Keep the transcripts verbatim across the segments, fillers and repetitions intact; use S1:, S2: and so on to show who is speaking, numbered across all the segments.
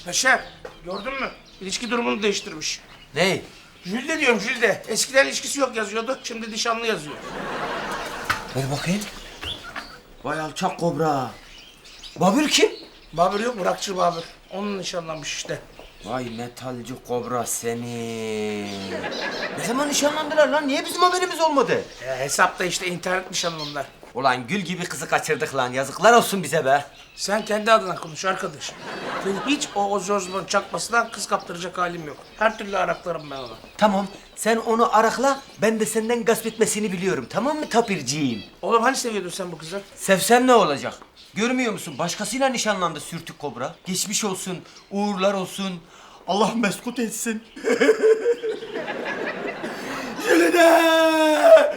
S1: Beşer, gördün mü? İlişki durumunu değiştirmiş.
S2: Ne?
S1: Jülde diyorum Jülde. Eskiden ilişkisi yok yazıyordu, şimdi nişanlı yazıyor.
S2: Ver bakayım. Vay alçak kobra. Babür kim?
S1: Babür yok, Burakçı Babür. Onun nişanlanmış işte.
S2: Vay metalci kobra seni. Ne zaman nişanlandılar lan? Niye bizim haberimiz olmadı?
S1: E, hesapta işte internet nişanlımlar.
S2: Ulan gül gibi kızı kaçırdık lan. Yazıklar olsun bize be.
S1: Sen kendi adına konuş arkadaş. Benim hiç o Ozzy Osbourne çakmasından kız kaptıracak halim yok. Her türlü araklarım ben onu.
S2: Tamam, sen onu arakla, ben de senden gasp etmesini biliyorum. Tamam mı tapirciğim?
S1: Oğlum hani seviyordun sen bu kızı?
S2: Sevsen ne olacak? Görmüyor musun? Başkasıyla nişanlandı sürtük kobra. Geçmiş olsun, uğurlar olsun. Allah meskut etsin. Jülide!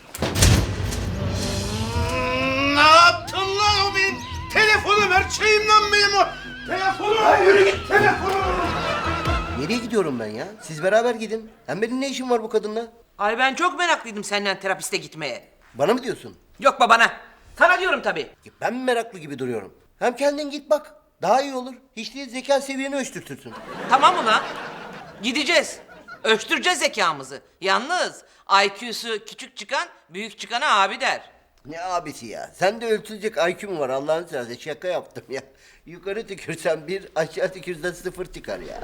S1: Ne yaptın lan o benim? Telefonu ver, şeyim lan benim o. Telefonu ver, yürü git telefonu.
S3: Nereye gidiyorum ben ya? Siz beraber gidin. Hem benim ne işim var bu kadınla?
S4: Ay ben çok meraklıydım senden terapiste gitmeye.
S3: Bana mı diyorsun?
S4: Yok babana. Sana diyorum tabii.
S3: Ya ben mi meraklı gibi duruyorum? Hem kendin git bak. Daha iyi olur. Hiç değil zeka seviyeni ölçtürtürsün.
S4: Tamam ulan. Gideceğiz. Ölçtüreceğiz zekamızı. Yalnız I Q'su küçük çıkan büyük çıkana abi der.
S3: Ne abisi ya? Sen de ölçülecek I Q'm var Allah'ını seversen. Şaka yaptım ya. Yukarı tükürsen bir, aşağı tükürsen sıfır çıkar ya.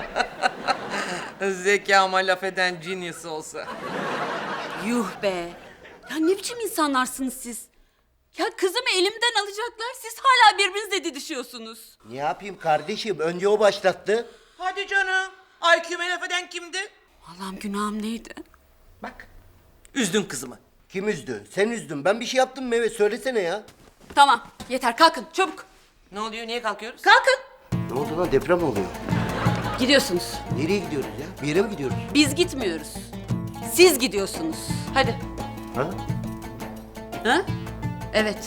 S4: Zekama laf eden genius olsa.
S5: Yuh be. Ya ne biçim insanlarsınız siz? Ya kızımı elimden alacaklar, siz hala birbirinizle didişiyorsunuz.
S3: Ne yapayım kardeşim? Önce o başlattı.
S4: Hadi canım. I Q'me laf eden kimdi?
S5: Allah'ım günahım neydi?
S4: Bak. Üzdün kızımı.
S3: Kim üzdü? Sen üzdün. Ben bir şey yaptım mı? Evet söylesene ya.
S5: Tamam, yeter kalkın çabuk.
S4: Ne oluyor? Niye kalkıyoruz?
S5: Kalkın.
S3: Ne oldu lan? Deprem oluyor.
S5: Gidiyorsunuz.
S3: Nereye gidiyoruz ya? Bir yere mi gidiyoruz?
S5: Biz gitmiyoruz. Siz gidiyorsunuz. Hadi.
S3: Ha?
S5: Ha? Evet.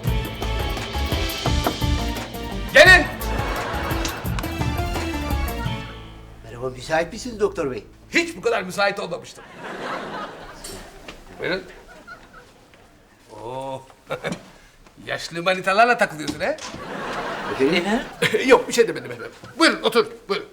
S1: Gelin.
S3: Merhaba, müsait misiniz doktor bey?
S6: Hiç bu kadar müsait olmamıştım. Buyurun. Oo. Yaşlı manitalarla takılıyorsun he?
S3: Efendim?
S6: Yok bir şey demedim efendim. Buyurun otur. Buyurun.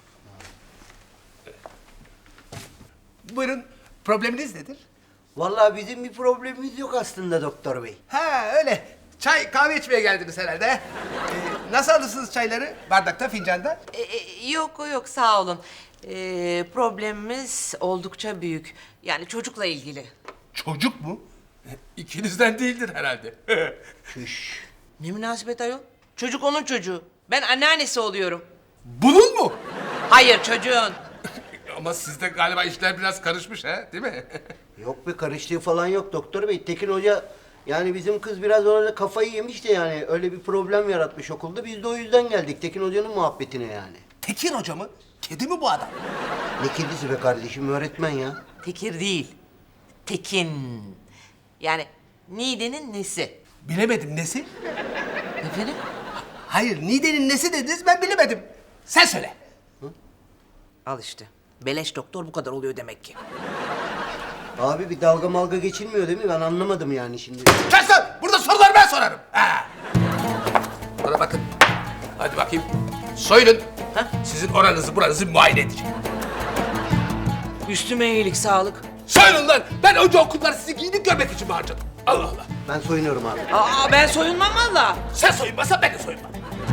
S6: Buyurun. Probleminiz nedir?
S3: Vallahi bizim bir problemimiz yok aslında doktor bey.
S6: Ha öyle. Çay kahve içmeye geldiniz herhalde. Ee, nasıl alırsınız çayları? Bardakta, fincanda?
S4: E, e, yok yok sağ olun. E, problemimiz oldukça büyük. Yani çocukla ilgili.
S6: Çocuk mu? İkinizden değildir herhalde.
S3: Şüş.
S4: Ne münasebet ayol? Çocuk onun çocuğu. Ben anneannesi oluyorum.
S6: Bunun mu?
S4: Hayır çocuğun.
S6: Ama sizde galiba işler biraz karışmış ha, değil mi?
S3: Yok be, karıştığı falan yok doktor bey. Tekin Hoca yani bizim kız biraz orada kafayı yemiş de yani öyle bir problem yaratmış okulda. Biz de o yüzden geldik Tekin Hoca'nın muhabbetine yani.
S6: Tekin Hoca mı? Kedi mi bu adam?
S3: Ne kedisi be kardeşim, öğretmen ya.
S4: Tekir değil. Tekin. Yani Nide'nin nesi.
S6: Bilemedim nesi?
S4: Efendim?
S6: Hayır, Nide'nin nesi dediniz ben bilemedim. Sen söyle.
S4: Al işte. Beleş doktor bu kadar oluyor demek ki.
S3: Abi bir dalga malga geçilmiyor değil mi? Ben anlamadım yani şimdi.
S6: Kes lan! Burada soruları ben sorarım. Ha. Bana bakın. Hadi bakayım. Soyunun.
S4: Ha?
S6: Sizin oranızı buranızı muayene edeceğim.
S4: Üstüme iyilik, sağlık.
S6: Soyunun lan! Ben önce okulları sizi giyinip görmek için mi harcadım? Allah Allah.
S3: Ben soyunuyorum abi.
S4: Aa ben soyunmam valla.
S6: Sen soyunmasan ben de soyunmam.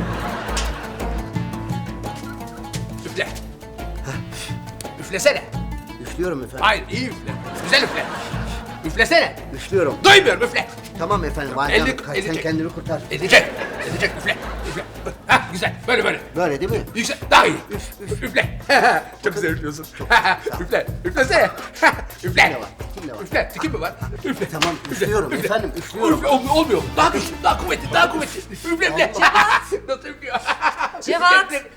S6: Üfle. Üflesene.
S3: Üflüyorum efendim.
S6: Hayır, iyi üfle. Güzel üfle. Üflesene.
S3: Üflüyorum.
S6: Duymuyorum, üfle.
S3: Tamam efendim. Hadi
S6: Elli-
S3: sen
S6: elli çek.
S3: kendini kurtar.
S6: Edecek. Edecek, üfle. Üfle. Hah, güzel. Böyle böyle.
S3: Böyle değil mi?
S6: Yüksel, daha iyi. Üf, üf. Üfle. Çok güzel üflüyorsun. Üfle. Üflesene. Üfle.
S3: Kim de var? Kim de var?
S6: Üfle. Kim mi var? Üfle.
S3: Tamam, üflüyorum efendim, üflüyorum.
S6: Üfle, olmuyor, olmuyor. Daha güçlü, daha kuvvetli, daha kuvvetli. Üfle, üfle. Nasıl üflüyor?
S5: Cevat.
S6: Üfle.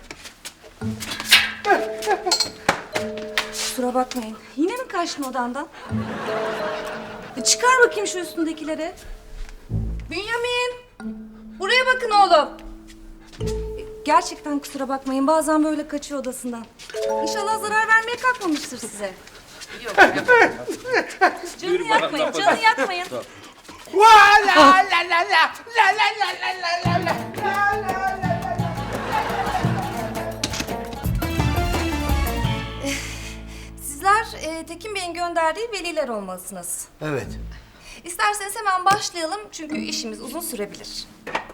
S7: Kusura bakmayın. Yine mi kaçtın odandan? E, Çıkar bakayım şu üstündekileri. Bünyamin! Buraya bakın oğlum. E, Gerçekten kusura bakmayın. Bazen böyle kaçıyor odasından. İnşallah zarar vermeye kalkmamıştır size. Yok. Canını yakmayın, canını yakmayın.
S6: La la la la la la la la la la la la la la la la.
S7: e, Tekin Bey'in gönderdiği veliler olmalısınız.
S3: Evet.
S7: İsterseniz hemen başlayalım çünkü işimiz uzun sürebilir.